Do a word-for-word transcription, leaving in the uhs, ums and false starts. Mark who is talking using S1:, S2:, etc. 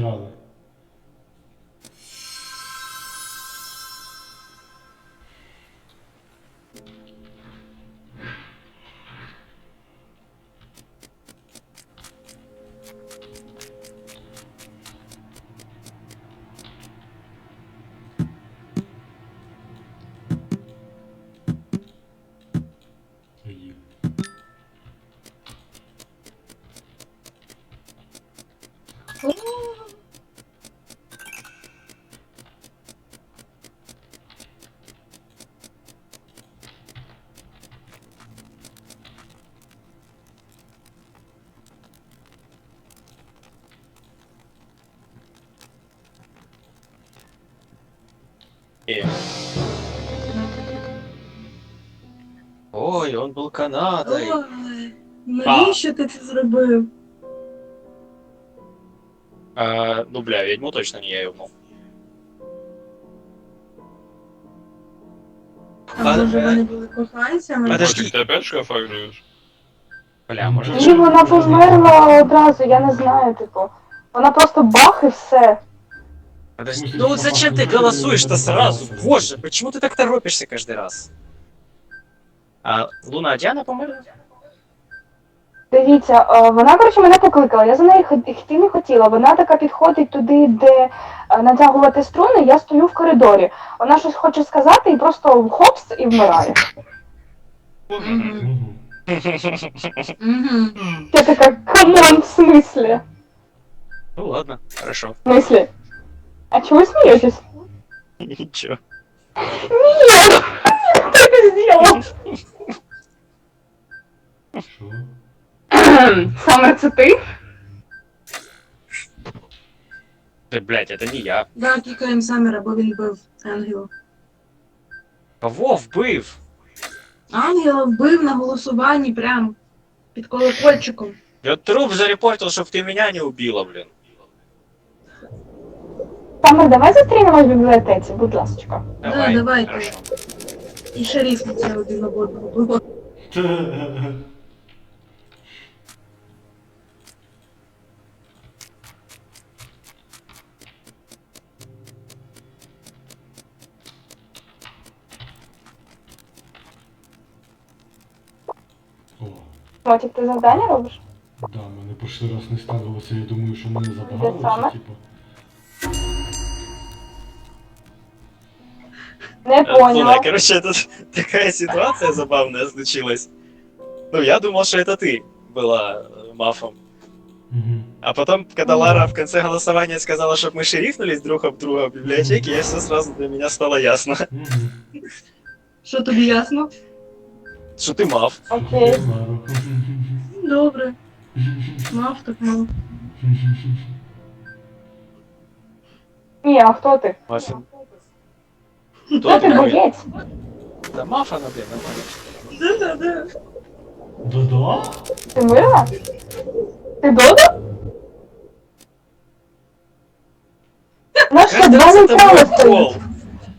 S1: зіграли.
S2: Ой, он был Канадой.
S3: Ой, навіщо ти це зробив?
S2: А, ну, бля, ведьму точно не я ебнул.
S3: А може вони були коханцями?
S2: Подожди.
S4: Ты опять шкафагнешь?
S2: Бля, может...
S5: Ні, вона померла одразу, я не знаю, типу. Вона просто бах і все.
S2: Подожди. Ну вот зачем ты голосуешь-то сразу? Боже, почему ты так торопишься каждый раз? А Луна а Диана померла?
S5: Дивіться, е, вона, коротше, мене покликала, я за нею ход- йти не хотіла. Вона така підходить туди, де е, натягувати струни, я стою в коридорі. Вона щось хоче сказати і просто хопс і вмирає.
S3: Мгм.
S1: Угу.
S3: Мгм.
S5: Я така, камон, в смислі?
S2: Ну ладно, хорошо.
S5: В смислі? А чого ви смієтесь?
S2: Ничего.
S5: Ні! Ти це зробив!
S1: Що?
S5: Саме це ти?
S2: Да, блядь, это не я.
S3: Да, кікаємо Саммера, бо він бив ангела.
S2: Кого вбив?
S3: Ангела вбив на голосуванні прям під колокольчиком.
S2: Я труп зарепортил, чтоб ты меня не убила, блин.
S5: Саме, давай зустрінемось в бібліотеці, будь ласка.
S2: Давай.
S3: Да, давайте.
S2: Хорошо.
S3: І шериф на це один на одного було.
S1: О,
S5: Мотик, ти завдання робиш?
S1: да, мене перший раз не ставилося, я думаю, що мене
S5: Де
S1: забагали,
S5: саме?
S1: чи типу.
S5: Не
S2: Луна,
S5: поняла.
S2: короче, тут такая ситуация забавная случилась. Ну, я думал, что это ты была э, мафом.
S1: Угу.
S2: А потом, когда Лара в конце голосования сказала, чтобы мы шерифнулись друг об друга в библиотеке, я все сразу для меня стало ясно,
S1: Угу.
S3: Що тобі ясно?
S2: что ты маф.
S5: Окей.
S3: Добре. Мав так мав.
S5: Ні, а хто ти?
S2: Мафин.
S5: Хто ти боєць?
S2: Да маф она, блин, нормально.
S3: Да-да-да.
S1: Да-да?
S5: Ти мирна? Ти Додо? Наша
S2: Каждый
S5: два
S2: раз это
S5: нейтрали
S2: мой
S5: стоїть.
S2: пол.